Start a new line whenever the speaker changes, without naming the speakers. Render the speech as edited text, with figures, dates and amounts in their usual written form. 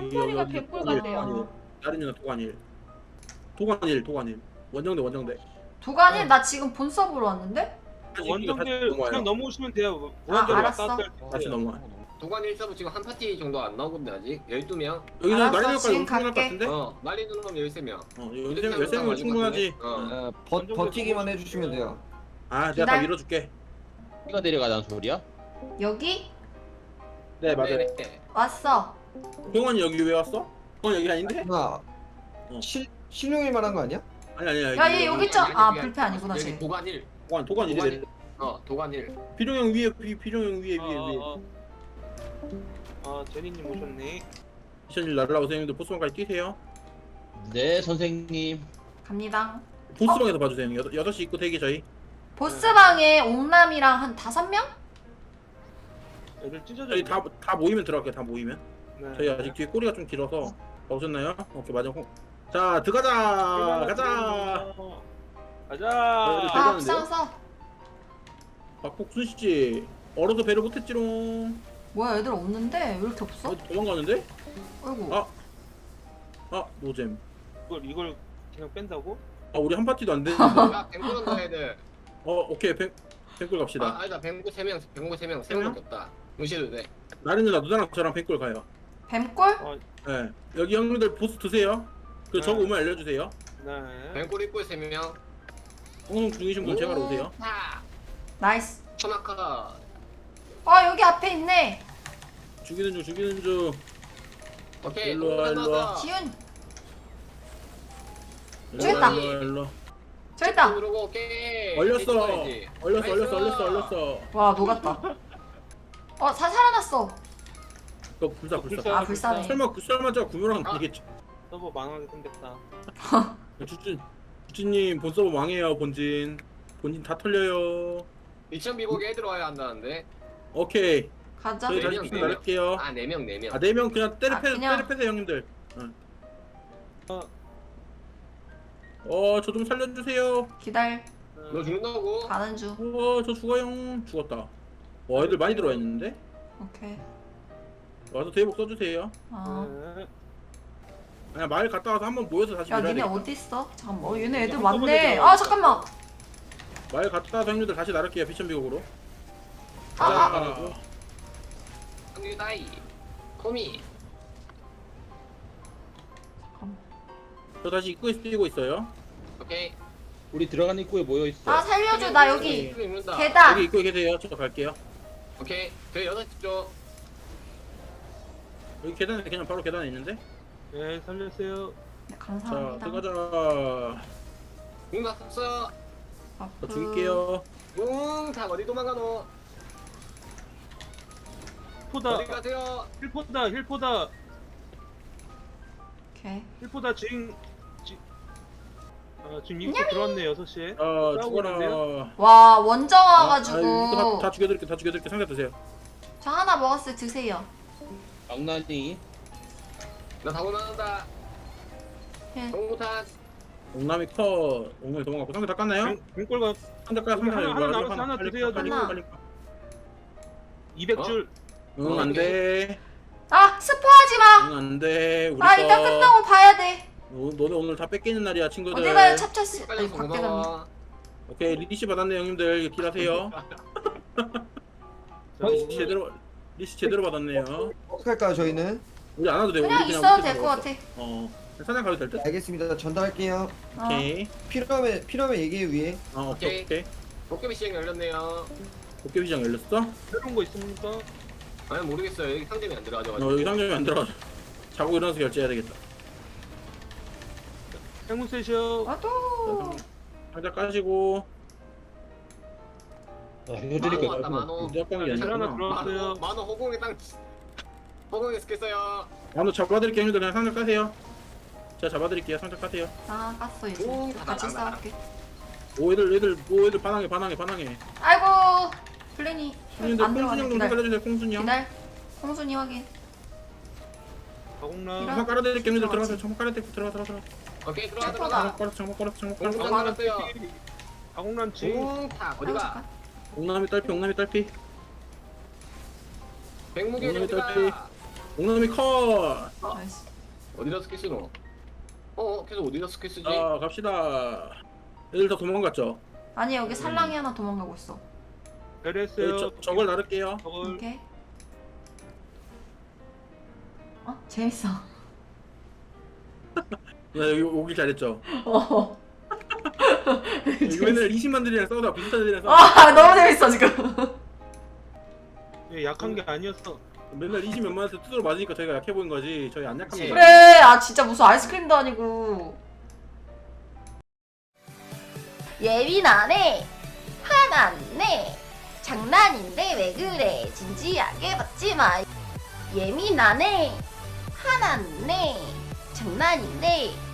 템템머리가 개꿀 같네요.
다른 누나 도관일 원정대
도가니 나 지금 본 서브로 왔는데?
원정들 그냥 넘어오시면 돼요.
아,
원정들
알았어.
왔다 갔다 할 때.
다시 넘어와.
도관 1서브 지금 한 파티 정도 안 나오거든요 아직 12명.
여기서
알았어,
마리노까지
지금
충분할 것
갈게.
같은데?
말리 누르면 13명.
여기서 13명 충분하지.
버티기만 해주시면 돼요.
아 내가 다
기다려.
밀어줄게.
이가 내려가자는 소리야?
여기?
네 맞아요.
네.
왔어.
병원이 여기 왜 왔어? 여기 아닌데?
누나 신용일 만한 거 아니야?
아니야
야, 얘 여기 있죠? 아, 불패 아니구나,
여기
쟤.
도관 1.
도관 이래.
도관 1.
비룡형 위에 비룡형 위에.
제니님 오셨네.
미션일 날라오세요 형님들. 보스방까지 뛰세요.
네 선생님.
갑니다.
보스방에서 봐주세요 형님. 6시 입구 대기 저희.
보스방에 옥남이랑 한 5명?
애들 찢어져.
저희 다 모이면 들어갈게요. 다 모이면.
네.
저희 아직 뒤에 꼬리가 좀 길어서. 오셨나요? 오케이 맞아. 자 들어가자. 가자.
가자.
아,
대단한데요?
앞장서.
박복순 씨 얼어도 배를 못했지롱.
뭐야, 애들 없는데? 왜 이렇게 없어?
도망가는데?
아이고.
노잼.
이걸 그냥 뺀다고?
우리 한 파티도 안 되는데.
야 뱅구런 거 해야 돼.
오케이 뱅꿀 갑시다.
아니다 뱅구 3명. 뱅구 3명. 3명밖에 없다. 무시해도 돼.
나린 누나 누나랑 저랑 뱅꿀 가요.
뱀골?
네. 여기 형님들 보스 드세요. 그 저거 오면 알려주세요.
네.
뱅구 입구에 3명.
방송 중이신 분 제발 오세요.
나이스.
천하카.
여기 앞에 있네.
죽이는 중.
오케이.
일로 와, 일로 와.
지훈.
일로
죽였다.
와, 일로 와.
저기 있다.
누르고 오케이.
얼렸어.
와, 녹았다. 살아났어.
그거 불사.
아, 불사네.
설마 저가 구매랑 되겠죠.
서버 망하게 생겼다.
주진님 본 서버 망해요. 본진 다 털려요.
2000 비보기 애들 와야 한다는데.
오케이.
가자.
저희 다시
네 명,
픽
네 명.
나갈게요.
4명 4명.
4명 그냥
그냥.
때려패세요 형님들. 저 좀 살려주세요.
기다려.
너 죽는다고?
가는 중.
저 죽어요. 죽었다. 애들 많이 들어와 있는데.
오케이.
와서 대복 써주세요.
네.
그냥 마을 갔다 와서 한번 모여서 다시
야,
밀어야
니네
되겠다.
어디 있어? 잠깐만. 얘네 애들
한꺼번에
많네.
들어와.
잠깐만.
마을 갔다 와서 형님들 다시 나를게요. 비천비곡으로.
상규다이. 코미.
저 다시 입구에서 뛰고 있어요.
오케이.
우리 들어가는 입구에 모여 있어.
살려줘. 나 여기
입는다.
계단.
여기 입구에 계세요. 저 갈게요.
오케이. 그 6시 쪽.
여기 계단에 그냥 바로 계단에 있는데.
네, 살렸어요.
네,
자
감사합니다.
들어가자.
공다 썼어.
저 죽일게요.
다 어디 도망가노?
힐포다.
어디 가세요?
힐포다.
오케이.
힐포다 지금 입구 들어왔네 6시에.
죽어라.
와, 원정
이거
와가지고.
다 죽여드릴게. 상자 드세요.
저 하나 먹었어요. 드세요.
장난이.
나 사고 나간다.
예.
동무탄.
옥남이 컷. 옥남이 도망갔고 상자 다 깠나요?
뱅골가
상자 까.
하나 남았어. 하나 드세요.
빨리.
200줄.
응 안돼.
스포하지 마.
응 안돼. 우리
이따 끝나고 봐야 돼.
너네 오늘 다 뺏기는 날이야 친구들.
어디 가요? 찹찹스.
빨리
아니, 밖에 갔네.
고마워.
오케이 리시 받았네 형님들. 이거 딜하세요. 리시 제대로 받았네요.
어떻게 할까요 저희는?
우리 안 와도 돼.
그냥
우리
있어도
밑에
될 것
들어갔어.
같아.
사냥 가도 될 듯?
알겠습니다. 전달할게요.
오케이.
필요하면 얘기해 위에.
오케이.
도깨비 시장 열렸네요.
도깨비장 열렸어?
새로운 거 있습니까?
아니 모르겠어요. 여기 상점이 안 들어가져가지고.
여기 상점이 안 들어가죠. 자고 일어나서 결제해야 되겠다.
행운 세셔.
와도.
상자 까시고.
이거 드릴게요.
왔다, 만호.
무작정이
하나
아니구나.
들어왔어요.
만호 호공에 땅. 호공에 스겠어요.
만호 잡아드릴게요 형님들. 그냥 상자 까세요. 제가 잡아드릴게요. 상자 까세요.
깠어 이제.
오,
같이 싸울게.
애들 반항해.
아이고. 플래니
형님들
안
콩순이
들어가네.
형좀
기다려.
살려주세요. 콩순이 형.
기다려. 홍순이 확인.
가공남.
장막 깔아드릴게요 형님들. 들어가세요. 장막 깔아드릴게요. 들어가.
오케이 들어가
체포다.
들어가.
장막 깔았어.
공무탄 나갔어요.
가공남 지.
공타 어디가?
옥남이 딸피.
백무기
오늘
어디가?
옥남이 컷.
나이스.
어디다 스킬 쓰노? 계속 어디다 스킬 쓰지?
자 갑시다. 애들 다 도망갔죠?
아니 여기 살랑이 하나 도망가고 있어.
네,
배려했어요.
저걸 나를게요.
저걸
오케이. 재밌어.
나 여기 오길 잘했죠?
어.
이거 맨날 20만들이랑 싸우다 비슷한 애들이랑 싸우다
아 너무 재밌어 지금.
예, 약한 게 아니었어.
맨날 20 몇만에서 두드려 맞으니까 저희가 약해 보인 거지. 저희 안 약합니다.
그래. 아 진짜 무슨 아이스크림도 아니고. 예민하네. 화났네. 장난인데 왜 그래? 진지하게 받지 마. 예민하네. 화났네. 장난인데